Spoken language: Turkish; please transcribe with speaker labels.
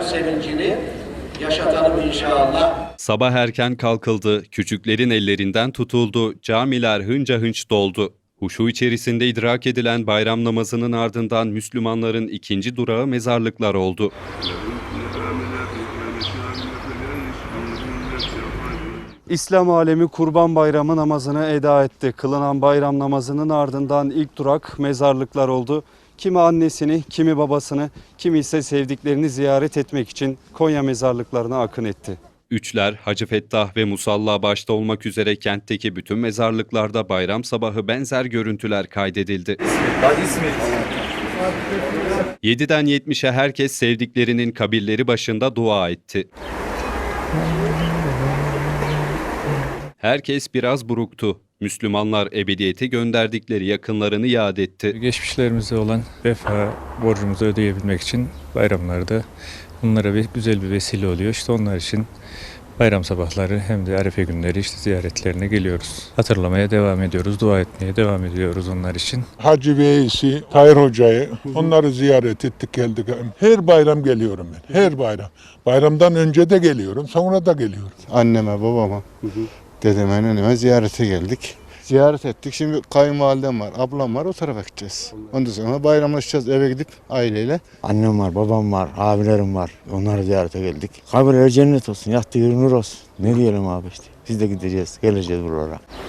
Speaker 1: sevincini yaşatalım inşallah.
Speaker 2: Sabah erken kalkıldı, küçüklerin ellerinden tutuldu, camiler hınca hınç doldu. Huşu içerisinde idrak edilen bayram namazının ardından Müslümanların ikinci durağı mezarlıklar oldu. İslam alemi Kurban Bayramı namazını eda etti. Kılınan bayram namazının ardından ilk durak mezarlıklar oldu. Kimi annesini, kimi babasını, kimi ise sevdiklerini ziyaret etmek için Konya mezarlıklarına akın etti. Üçler, Hacı Fettah ve Musalla başta olmak üzere kentteki bütün mezarlıklarda bayram sabahı benzer görüntüler kaydedildi. 7'den 70'e herkes sevdiklerinin kabirleri başında dua etti. Herkes biraz buruktu. Müslümanlar ebediyete gönderdikleri yakınlarını yad etti.
Speaker 3: Geçmişlerimize olan vefa borcumuzu ödeyebilmek için bayramlarda bunlara güzel bir vesile oluyor. İşte onlar için bayram sabahları hem de Arefe günleri işte ziyaretlerine geliyoruz. Hatırlamaya devam ediyoruz, dua etmeye devam ediyoruz onlar için.
Speaker 4: Hacı Veysi, Tahir Hoca'yı onları ziyaret ettik geldik. Her bayram geliyorum ben, her bayram. Bayramdan önce de geliyorum, sonra da geliyorum.
Speaker 5: Anneme, babama, dedeme, neneme ziyarete geldik. Ziyaret ettik. Şimdi kayınvalidem var, ablam var, o tarafa gideceğiz. Ondan sonra bayramlaşacağız eve gidip aileyle.
Speaker 6: Annem var, babam var, abilerim var. Onları ziyarete geldik. Kabirleri cennet olsun, yattığı yeri nur olsun. Ne diyelim abi işte. Biz de gideceğiz, geleceğiz buralara.